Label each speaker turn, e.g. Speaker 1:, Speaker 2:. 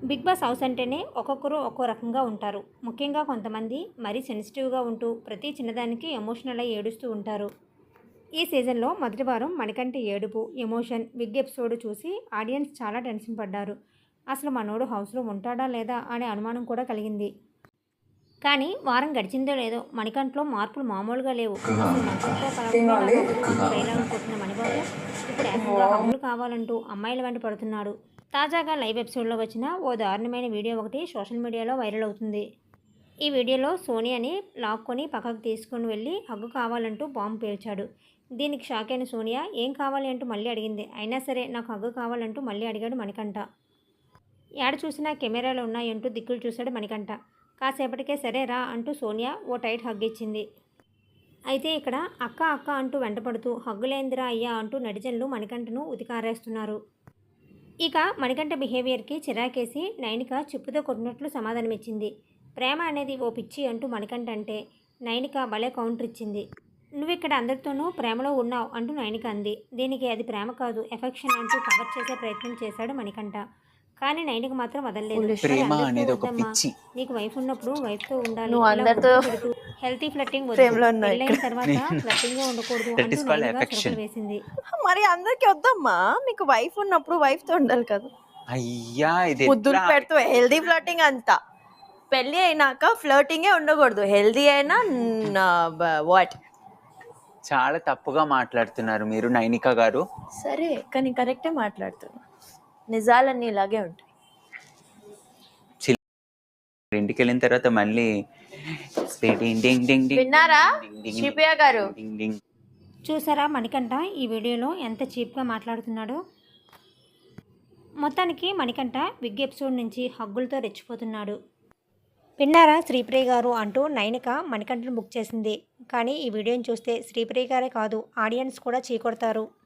Speaker 1: Big boss house అంటేనే ఒక్కొక్కరు ఒక్కో రకంగా ఉంటారు. ముఖ్యంగా కొంతమంది మరీ సెన్సిటివ్‌గా ఉంటూ ప్రతి చిన్నదానికి ఎమోషనల్ అయ్యి ఏడుస్తూ ఉంటారు. ఈ సీజన్‌లో మొదటి వారం మణికంఠ ఏడుపు, ఎమోషన్, బిగ్ ఎపిసోడ్ చూసి ఆడియన్స్ చాలా టెన్షన్ పడ్డారు. అసలు మనోడు హౌస్‌లో ఉంటాడా లేదా అనే అనుమానం కూడా కలిగింది. కానీ వారం గడిచిందో లేదో మణికంఠలో మార్పులు మామూలుగా లేవు. అసలు మనుషులతో కలవడమే నాకు అవ్వదు అంటూ డైలాగులు కొట్టిన మణిబాబు ఇప్పుడు ఏకంగా హగ్గులు కావాలంటూ అమ్మాయిల వెంట పడుతున్నాడు. తాజాగా లైవ్ ఎపిసోడ్లో వచ్చిన ఓ దారుణమైన వీడియో ఒకటి సోషల్ మీడియాలో వైరల్ అవుతుంది. ఈ వీడియోలో సోనియాని లాక్కొని పక్కకు తీసుకుని వెళ్ళి హగ్గు కావాలంటూ బాంబు పేల్చాడు. దీనికి షాక్ అయిన సోనియా ఏం కావాలి అంటూ మళ్ళీ అడిగింది. అయినా సరే నాకు హగ్గు కావాలంటూ మళ్ళీ అడిగాడు మణికంఠ. ఏడ చూసినా కెమెరాలు ఉన్నాయంటూ దిక్కులు చూశాడు మణికంఠ. కాసేపటికే సరే రా అంటూ సోనియా ఓ టైట్ హగ్ ఇచ్చింది. అయితే ఇక్కడ అక్క అక్క అంటూ వెంటపడుతూ హగ్గులేందిరా అయ్యా అంటూ నెటిజన్లు మణికంఠను ఉతికారేస్తున్నారు. ఇక మణికంఠ బిహేవియర్కి చిరాకేసి నైనిక చెప్పుతో కొట్టినట్లు సమాధానమిచ్చింది. ప్రేమ అనేది ఓ పిచ్చి అంటూ మణికంఠ అంటే నైనిక భలే కౌంటర్ ఇచ్చింది. నువ్విక్కడ అందరితోనూ ప్రేమలో ఉన్నావు అంటూ నైనిక అంది. దీనికి అది ప్రేమ కాదు ఎఫెక్షన్ అంటూ కవర్ చేసే ప్రయత్నం చేశాడు మణికంఠ. కానీ నైనిక మాత్రం వదలలేదు. మరి
Speaker 2: ప్రేమ
Speaker 1: అందరితో
Speaker 2: అనేది ఒక
Speaker 1: వద్దమ్మా,
Speaker 2: పిచ్చి.
Speaker 1: నీకు వైఫ్ ఉన్నప్పుడు వైఫ్తో ఉండాలి,
Speaker 3: నువ్వు
Speaker 1: ఇలా
Speaker 3: అందరితో
Speaker 1: ముద్దు పెడుతూ హెల్తీ ఫ్లట్టింగ్ వద్దు,
Speaker 3: ప్రేమలో ఉన్నావు
Speaker 1: పెళ్ళైన
Speaker 3: ఇక్కడ.
Speaker 1: తర్వాత ఫ్లట్టింగ్గా ఉండకూడదు
Speaker 2: దట్
Speaker 1: అంటూ
Speaker 2: ఈస్ కాల్డ్
Speaker 1: నైనిక
Speaker 2: ఎఫెక్షన్.
Speaker 1: చురకలు వేసింది.
Speaker 3: మరి అందరికి వద్దమ్మా, మీకు వైఫ్ ఉన్నప్పుడు వైఫ్ తో ఉండాలి కదా.
Speaker 2: అయ్యా ఇది
Speaker 3: ముద్దులు
Speaker 2: ఎట్లా?
Speaker 3: పెడుతూ హెల్దీ ఫ్లర్టింగ్ అంతా. పెళ్లి అయినాక ఫ్లర్టింగే ఉండకూడదు, హెల్దీ అయినా వాట్.
Speaker 2: చాలా తప్పుగా మాట్లాడుతున్నారు మీరు నైనిక గారు.
Speaker 3: సరే కానీ కరెక్టే మాట్లాడుతున్నా, నిజాలన్నీ ఇలాగే ఉంటాయి.
Speaker 2: ఇంటికి వెళ్ళిన తర్వాత మళ్ళీ డింగ్ డింగ్ డింగ్ డింగ్
Speaker 3: విన్నారా
Speaker 2: డింగ్ డింగ్
Speaker 3: శ్రీప్రియ గారు?
Speaker 2: డింగ్ డింగ్.
Speaker 1: చూసారా మణికంఠ ఈ వీడియోలో ఎంత చీప్గా మాట్లాడుతున్నాడో. మొత్తానికి మణికంఠ బిగ్ ఎపిసోడ్ నుంచి హగ్గులతో రెచ్చిపోతున్నాడు. విన్నారా శ్రీప్రియ గారు అంటూ నైనిక మణికంఠను బుక్ చేసింది. కానీ ఈ వీడియోని చూస్తే శ్రీప్రియ గారే కాదు ఆడియన్స్ కూడా చీకొడతారు.